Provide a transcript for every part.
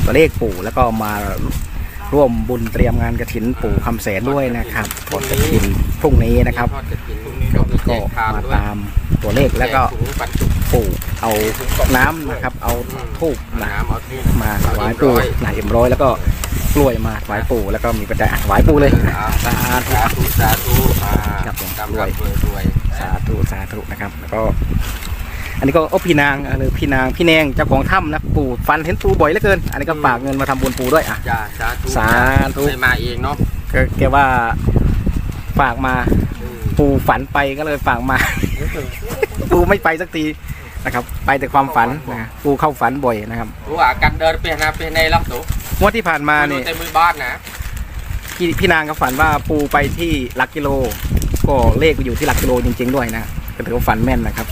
ตัวเลขปู่แล้วก็มาร่วมบุญเตรียมงานกฐินปู่คำแสนด้วยนะครับทอดกฐินพรุ่งนี้นะครับก็มาตามตัวเลขแล้วก็ปู่เอาน้ำนะครับเอาธูปนะมาถวายปู่นะ100แล้วก็กล้วยมาถวายปู่แล้วก็มีปัจจัยถวายปู่เลยสาธุสาธุครับผมกล้วยสาธุนะครับแล้วก็อันนี้ก็พี่นางหรือพี่แนงเจ้าของถ้ำนะปู่ฟันเห็นปู่บ่อยเหลือเกินอันนี้ก็ฝากเงินมาทำบุญปู่ด้วยอ่ะสาธุไม่มาเองเนาะแกว่าฝากมาปู่ฝันไปก็เลยฝากมา ปู่ไม่ไปสักทีนะครับไปแต่ความฝันนะปู่เข้าฝันบ่อยนะครับรู้ว่าการเดินไปในล็อกตัวงวดที่ผ่านมาเนี่ยเต็มมือบ้านนะพี่นางก็ฝันว่าปู่ไปที่หลักกิโลก็เลขไปอยู่ที่หลักกิโลจริงๆด้วยนะก็ถือว่าฝันแม่นนะครับ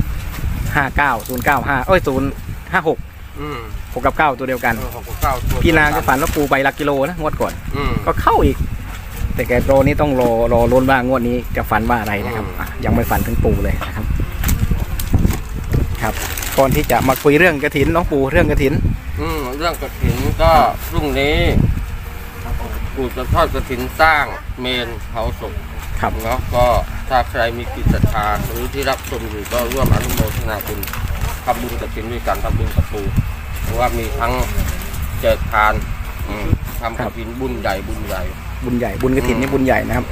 059 056 6 กับ 9ตัวเดียวกันพี่นางก็ฝันว่าปูไปหลักกิโลนะงวดก่อนก็เข้าอีกแต่แกโตนี้ต้องรอลุ้นว่างวดนี้จะฝันว่าอะไรนะครับยังไม่ฝันถึงปูเลยนะครับครับก่อนที่จะมาคุยเรื่องกฐินน้องปูเรื่องกฐินเรื่องกฐินก็พรุ่งนี้ปู่จะทอดกฐินสร้างเมนเผาศพครับเนาะก็ถ้าใครมีจิตศรัทธาหรือที่รับชมอยู่ก็ร่วมอนุโมทนาบุญทำบุญกฐินด้วยกันทำบุญกับปู่เพราะว่ามีทั้งเจริญทานทำกฐินบุญใหญ่บุญกฐินนี่บุญใหญ่นะครับ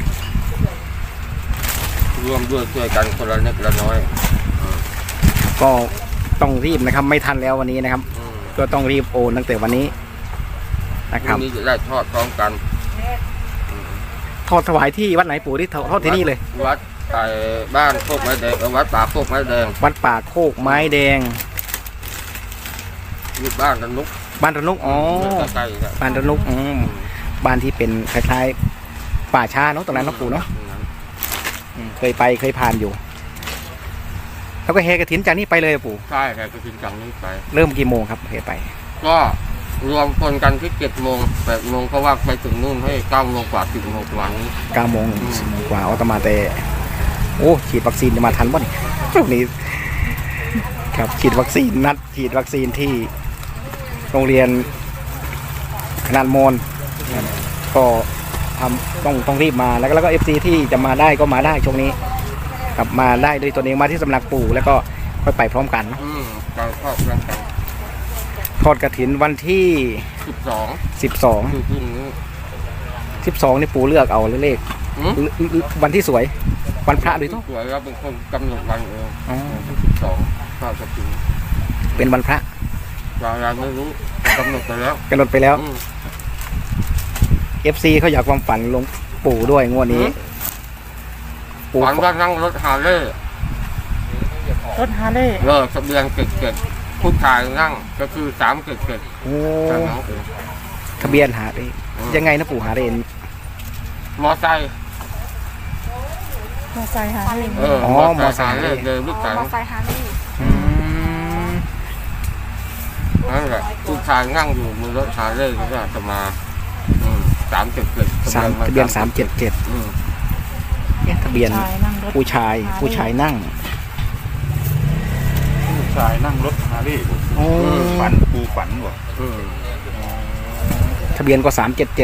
ร่วมด้วยช่วยกันคนละเล็กละน้อยก็ต้องรีบนะครับไม่ทันแล้ววันนี้นะครับก็ต้องรีบโอนตั้งแต่วันนี้นะครับนี้จะได้ทอดพร้อมกันทอดถวายที่วัดไหนปู่ที่ทอดที่นี่เลยวัดบ้านโคกไม้แดงวัดป่าโคกไม้แดงวัดป่าโคกไม้แดงอยู่บ้านระนุกอ๋อบ้านระนุกบ้านที่เป็นคล้ายๆป่าช้าเนาะตรงนั้นเนาะปู่เนาะเคยผ่านอยู่แล้วก็แห่กฐินจากนี้ไปเลยปู่ใช่แห่กฐินจากนี้ไปเริ่มกี่โมงครับแห่ไปก็รวมคนกันที่7 โมง 8 โมงเพราะว่าไปถึงนู่นให้9 โมงกว่า10 โมงกว่านี้ 9 โมงกว่าเอาตมาแต่โอ้ฉีดวัคซีนจะมาทันบ่นี่พวกนี้ครับฉีดวัคซีนนัดฉีดวัคซีนที่โรงเรียนขนาดมอนก็ต้องรีบมาแล้วก็FCที่จะมาได้ก็มาได้ช่วงนี้กลับมาได้โดยตัวเองมาที่สำนักปู่แล้วก็ค่อยไปพร้อมกันเราครอบครัวกันทอดกฐินวันที่12นี่ปู่เลือกเอาเลขวันที่สวยวันพระด้วยสวยครับเป็นคนกำหนดวันเอง12ทอดกฐินเป็นวันพระเราไม่รู้กำหนดไปแล้ว FC เขาอยากความฝันลงปู่ด้วยงวดนี้ฝันว่านั่งรถฮาร์เลย์ทะเบียนเกิดผู้ชายนั่งก็คือ377 โอ้ทะเบียนหาได้ยังไงนะปู่หาได้มอไซค์หาได้มอไซค์เลยลูกสาวมอไซค์หาได้นั่นแหละผู้ชายนั่งอยู่มือรถฮาร์เลย์ก็จะมา377 ทะเบียน377ทะเบียนผู้ชายนั่งรถฮาร์ลีย์ปูฝันบ่ทะเบียนก็377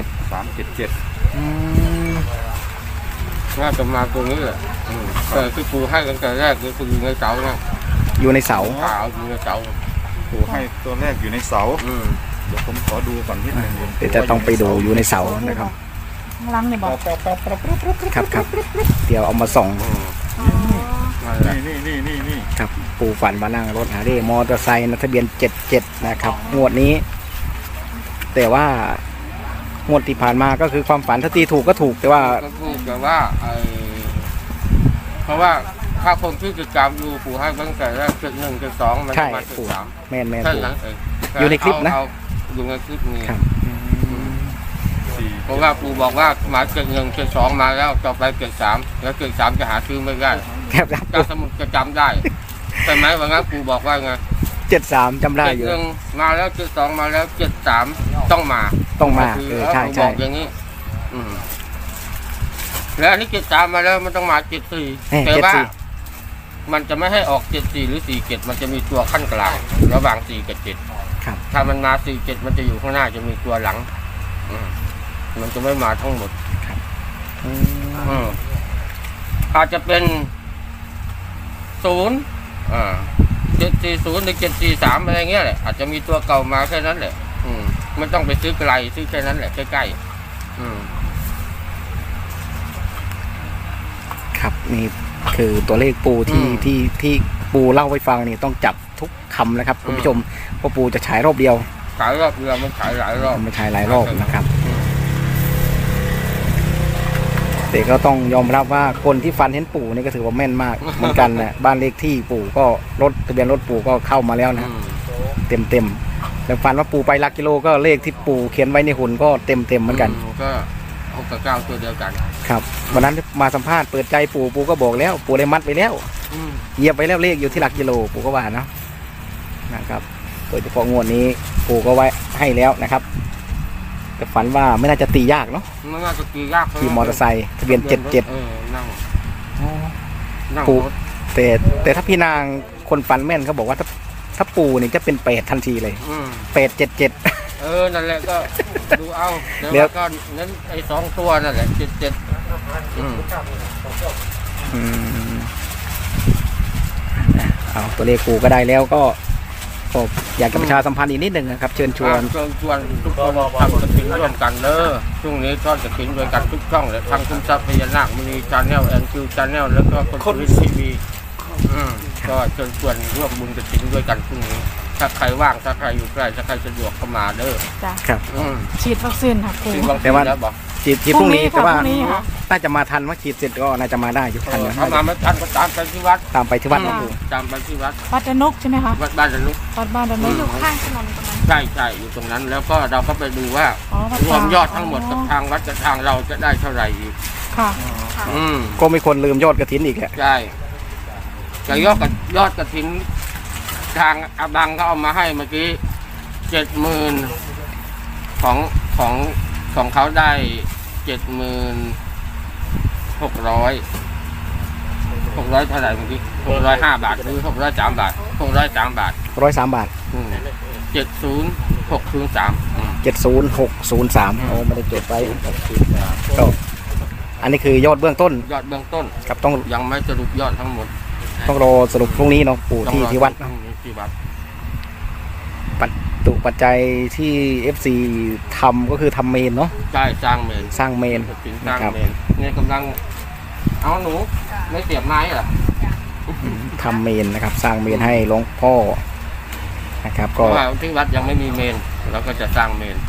น่าจะมาตรงนี้แหละแต่ที่ปูให้ตั้งแต่แรกคืออยู่ในเสานะอยู่ในเสาอยู่ในเสาปูให้ตัวแรกอยู่ในเสาเดี๋ยวผมขอดูก่อนนิดนึงเดี๋ยวจะต้องไปดูอยู่ในเสานะครับล้างเนี่ยบอกครับเดี๋ยวเอามาส่องนี่ครับปู่ฝันมานั่งรถฮาร์เลย์มอเตอร์ไซค์ทะเบียน77นะครับงวดนี้แต่ว่างวดที่ผ่านมาก็คือความฝันถ้าตีถูกก็ถูกแต่ว่าเพราะว่าถ้าคนที่ติดตามดูปู่ให้ตั้งแต่แรก71 72มันมา 73แม่นอยู่ในคลิปนะอยู่ในคลิปนี้เพราะว่าปู่บอกว่ามา71 72มาแล้วต่อไป73แล้ว73จะหาซื้อไม่ได้การสมุดจะจำได้ใช่ไหมว่างั้นปู่บอกว่าไง 73จำได้อยู่มาแล้ว72มาแล้ว73ต้องมาใช่บอกอย่างนี้แล้วนี่73มาแล้วมันต้องมา74แต่ว่ามันจะไม่ให้ออก74หรือ47มันจะมีตัวขั้นกลางระหว่าง4กับ7 ครับถ้ามันมา47มันจะอยู่ข้างหน้าจะมีตัวหลังมันจะไม่มาทั้งหมด อาจจะเป็น740หรือ743อะไรเงี้ยแหละอาจจะมีตัวเก่ามาแค่นั้นแหละไม่ต้องไปซื้อไกลซื้อแค่นั้นแหละใกล้ๆครับนี่คือตัวเลขปูที่ปูเล่าให้ฟังนี่ต้องจับทุกคำนะครับคุณผู้ชมเพราะปูจะฉายรอบเดียวขายรอบเรือมันขายหลายรอบไม่ฉายหลายรอบนะครับแต่ก็ต้องยอมรับว่าคนที่ฟันเห็นปู่นี่ก็ถือว่าแม่นมากเหมือนกันนะบ้านเลขที่ปู่ก็รถทะเบียนรถปู่ก็เข้ามาแล้วนะเต็มแล้วฟันว่าปู่ไปหลักกิโลก็เลขที่ปู่เขียนไว้ในหุ่นก็เต็มเหมือนกันก็6 กับ 9ตัวเดียวกันครับวันนั้นมาสัมภาษณ์เปิดใจปู่ก็บอกแล้วปู่ได้มัดไปแล้วเหยียบไปแล้วเลขอยู่ที่หลักกิโลปู่ก็ว่าเนาะนะครับโดยเฉพาะงวดนี้ปู่ก็ไว้ให้แล้วนะครับแต่ฝันว่าไม่น่าจะตียากเนาะไม่น่าจะตียากขี่มอเตอร์ไซค์ทะเบียนนั่งปู่แต่ถ้าพี่นางคนฝันแม่นเขาบอกว่าถ้าปู่นี่จะเป็น8ทันทีเลย877 นั่นแหละก็ดูเอาแล้วก็นั้นไอ้2ตัวนั่นแหละ77 เอาตัวเลขปู่ก็ได้แล้วก็อยากจะประชาสัมพันธ์อีกนิดหนึ่งนะครับเชิญชวนทุกคนทำกระถิ่นร่วมกันเด้อช่วงนี้ทอดกระถิ่นด้วยกันทุกช่องเลยทั้งคุณทรัพย์พญานาคมณีชาแนลNQชาแนลแล้วก็คนวิทีวีก็เชิญชวนร่วมบุญกระถิ่นด้วยกันพรุ่งนี้ถ้าใครว่างถ้าใครอยู่ใกล้ถ้าใครสะดวกเข้ามาเด้อจ้ะครับฉีดวัคซีนค่ะครูแต่ว่าฉีดพรุ่งนี้แต่ว่าน่าจะมาทันว่าฉีดเสร็จก็น่าจะมาได้อยู่ทันถ้ามาไม่ทันก็ตามไปที่วัดตามไปที่วัดนะครูตามไปที่วัดดนกใช่ไหมคะวัดบ้านดนกอยู่ข้างถนนตรงนั้นใช่อยู่ตรงนั้นแล้วก็เราก็ไปดูว่ารวมยอดทั้งหมดกับทางวัดกับทางเราจะได้เท่าไหร่อีกค่ะก็มีคนลืมยอดกฐินอีกแหละใช่แต่ยอดกฐินทางอาบังก็เอามาให้เมื่อกี้70,000ของเขาได้76,600เท่าไหร่เมื่อกี้605 บาทหรือ603 บาท603 บาท 103 บาท 70603 โอ้ไม่ได้จดไว้ก็อันนี้คือยอดเบื้องต้นครับต้องยังไม่สรุปยอดทั้งหมดต้องรอสรุปพรุ่งนี้เนาะปู่ที่วัดปัจจัยที่ FC ทำก็คือทำเมนเนาะใช่สร้างเมนนะครับเนี่ยกำลังเอาหนูไม่เสียบไม้เหรอทำเมนนะครับสร้างเมนให้หลวงพ่อนะครับก็ที่วัดยังไม่มีเมนเราก็จะสร้างเมน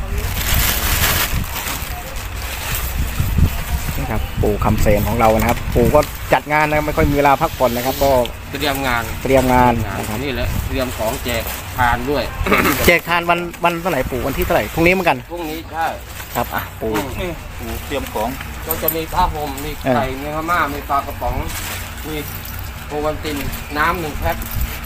นะครับปู่คำเสนของเรานะครับปู่ก็จัดงานนะไม่ค่อยมีเวลาพักผ่อนนะครับก็เตรียมงานนะครับนี่แหละเตรียมของแจกทานด้วยแจกทานวันเท่าไหร่ปู่วันที่เท่าไหร่พรุ่งนี้เหมือนกันพรุ่งนี้ใช่ครับปู่เตรียมของก็จะมีผ้าห่มมีไข่มีข้าวม่ามีปลากระป๋องมีโอวัลตินน้ำ1 แพ็ค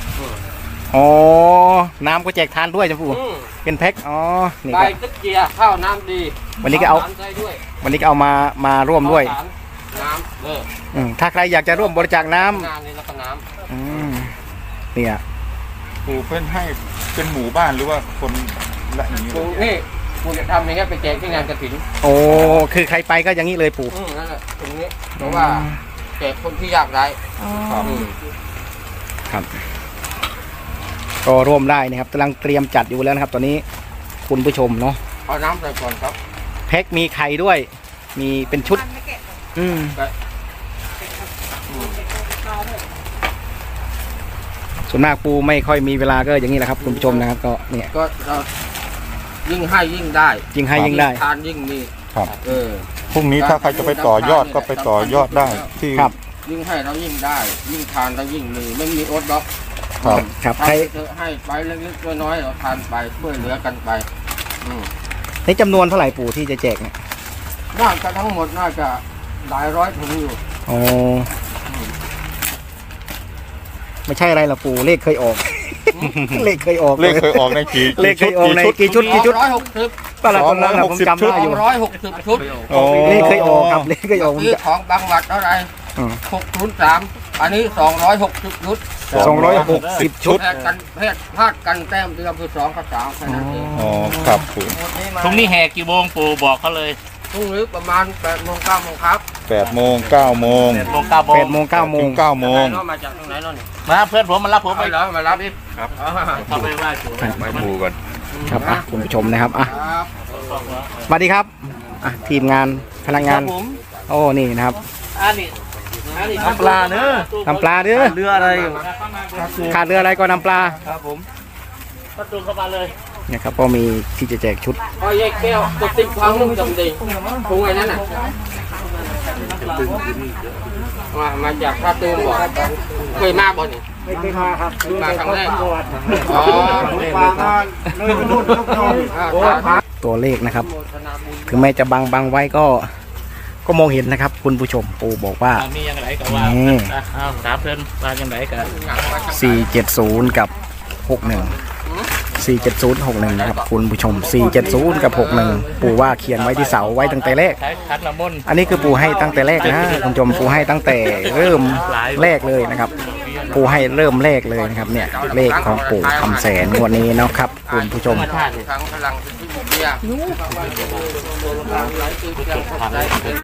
น้ำก็แจกทานด้วยจ้ะปู่เป็นแพ็คนี่ก็ตะเกียร์ข้าวน้ำดีวันนี้ก็เอามาร่วมด้วยน้ำถ้าใครอยากจะร่วมบริจาคน้ำนี่แล้วก็น้ำเนี่ยปู่เพื่อนให้เป็นหมู่บ้านหรือว่าคนละอย่างนี้นี่ปู่จะทำอย่างเงี้ยไปแจกที่งานกฐินคือใครไปก็อย่างนี้เลยปู่นั่นแหละตรงนี้เพราะว่าแจกคนที่ยากไร้ครับก็ร่วมได้นะครับกำลังเตรียมจัดอยู่แล้วนะครับตอนนี้คุณผู้ชมเนาะเอาน้ำใส่ก่อนครับแพ็คมีไข่ด้วยมีเป็นชุดส่วนมากปูไม่ค่อยมีเวลาก็อย่างนี้แหละครับคุณผู้ชมนะครับก็เนี่ยก็ยิ่งให้ยิ่งได้ทานยิ่งมีครับพรุ่งนี้ถ้าใครจะไปต่อยอดก็ไปต่อยอดได้ที่ยิ่งให้เรายิ่งได้ยิ่งทานเรายิ่งมีไม่มีอดหรอกครับใครให้ไปเล็กๆน้อยๆเราทานไปช่วยเหลือกันไปในจำนวนเท่าไหร่ปู่ที่จะแจกเนี่ยน่าจะทั้งหมดน่าจะหลายร้อยถุงอยู่ไม่ใช่อะไรหรอกปู่เลขเคยออกเลขเคยออกในกี่เลขเคยออกในกี่ชุด 160 ตอนนั้นผมจำได้อยู่ 160 ชุดเลขเคยออกครับเลขเคยออกซื้อของบางวัดเท่าไหร่603 อันนี้260ชุด 260 ชุดแพทย์กันแพทย์พลาดกันแต้มเดือนคือ2กับ3แค่นั้นเองอ๋อครับปู่พรุ่งนี้แห่กี่โมงปู่บอกเขาเลยพรุ่งนี้ประมาณ8 โมง 9 โมงครับ 8 โมง 9 โมง 8 โมง 9 โมง 8 โมง 9 โมง 9 โมงมาจากตรงไหนเนาะนี่มาเพื่อนผมมารับผมไปไปเหรอมารับดิครับเขาไปไหว้ปู่ไปปู่ก่อนครับอ่ะคุณผู้ชมนะครับอ่ะครับสวัสดีครับอ่ะทีมงานพนักงานผมโอ้นี่นะครับอันนี้น้ำปลาเนอะน้ำปลาเด้อเรืออะไรขาดเรืออะไรก็น้ำปลาครับผมประตูเข้ามาเลยเนี่ยครับก็มีที่จะแจกชุดพอยายแก้วกดติ๊กฟังนุ่งจำดีพรุ่งไอ้นั่นน่ะมาจากท่าตูมบอกเคยมาบ่นี่ไม่เคยมาครับมาครั้งแรกอ๋อมาตัวเลขนะครับ ถึงแม้จะบังไว้ก็มองเห็นนะครับ คุณผู้ชมปู่บอกว่ามีอย่างไรก็ว่านี่เอาถามเพื่อนมาอย่างไรกัน 470 กับ 61 470 61นะครับคุณผู้ชม 470 กับ 61 ปู่ว่าเขียนไว้ที่เสาไว้ตั้งแต่แรกใช้ขันน้ำมนต์อันนี้คือปู่ให้ตั้งแต่แรกนะคุณผู้ชมปู่ให้ตั้งแต่เริ่มแรกเลยนะครับ ปู่ให้เริ่มแรกเลยนะครับเนี่ยเลขของปู่คำแสนงวดนี้เนาะครับคุณผู้ชมธรรมชาติครั้งพลังที่เบียร์